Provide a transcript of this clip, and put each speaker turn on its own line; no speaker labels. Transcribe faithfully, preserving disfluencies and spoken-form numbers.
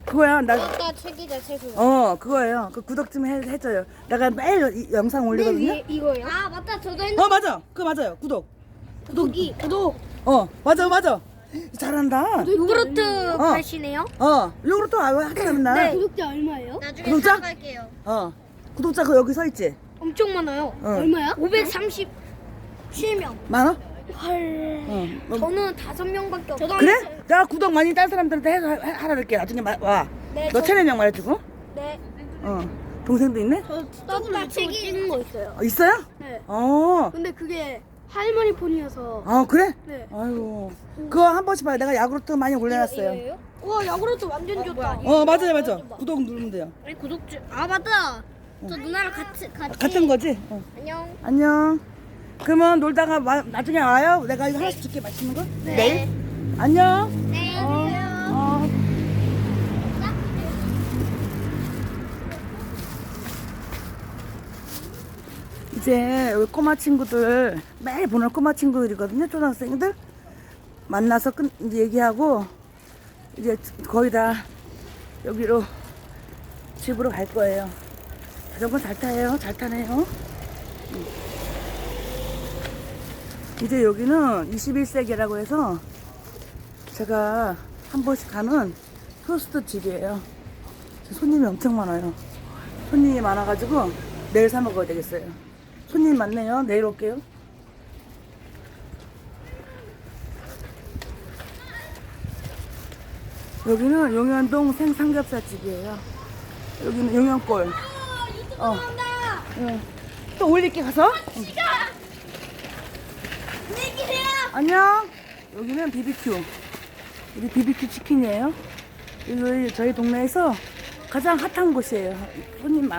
그거야. 나,
아까 책이자 채소.
어, 그거예요. 그 구독 좀 해, 해줘요. 내가 매일 이- 영상 올리거든요.
네, 이거요? 아 맞다. 저도 핸드.
어, 맞아. 그거 맞아요. 구독.
구독이 구독.
어, 맞아, 맞아. 잘한다.
요구르트
어.
파시네요.
어, 요거를 또 하잖아, 맨날.
네. 구독자 얼마예요? 나중에
구독자?
사러 갈게요.
어. 구독자 그 여기 서 있지?
엄청 많아요.
어.
얼마야? 오백삼십칠 명.
많아?
헐.
어. 어.
저는 다섯 명밖에 없어요. 저도
그래? 내가 구독 많이 딴 사람들한테 해서 하- 하라 그럴게. 나중에 마, 와.
네,
너
저-
채널명 말해주고.
네.
어. 동생도 있네?
저 조금 책이 찍은 거 있어요.
어, 있어요?
네.
어.
근데 그게 할머니 폰이어서.
아, 그래?
네.
아이고. 그거 한 번씩 봐요. 내가 야구르트 많이 올려놨어요.
와 야구르트 완전 좋다.
어, 맞아요, 맞아. 구독 누르면 돼요.
우리 구독자. 아 맞다. 저 누나랑 같이 같이.
같은 거지? 어.
안녕.
안녕. 그러면 놀다가 와- 나중에 와요. 내가 이거 하나씩 줄게. 맛있는 거?
네.
내일? 안녕.
네.
어. 어. 이제 여기 꼬마 친구들 매일 보는 꼬마 친구들이거든요. 초등학생들 만나서 끝 이제 얘기하고 이제 거의 다 여기로 집으로 갈 거예요. 자전거 잘 타요. 잘 타네요. 음. 이제 여기는 이십일 세기라고 해서 제가 한 번씩 가는 토스트 집이에요. 손님이 엄청 많아요. 손님이 많아가지고 내일 사 먹어야 되겠어요. 손님 많네요. 내일 올게요. 여기는 용현동 생삼겹살 집이에요. 여기는 용현골. 어. 응. 또 올릴게 가서. 응. 안녕. 여기는 비비큐. 우리 비비큐 치킨이에요. 여기 저희 동네에서 가장 핫한 곳이에요. 손님 많.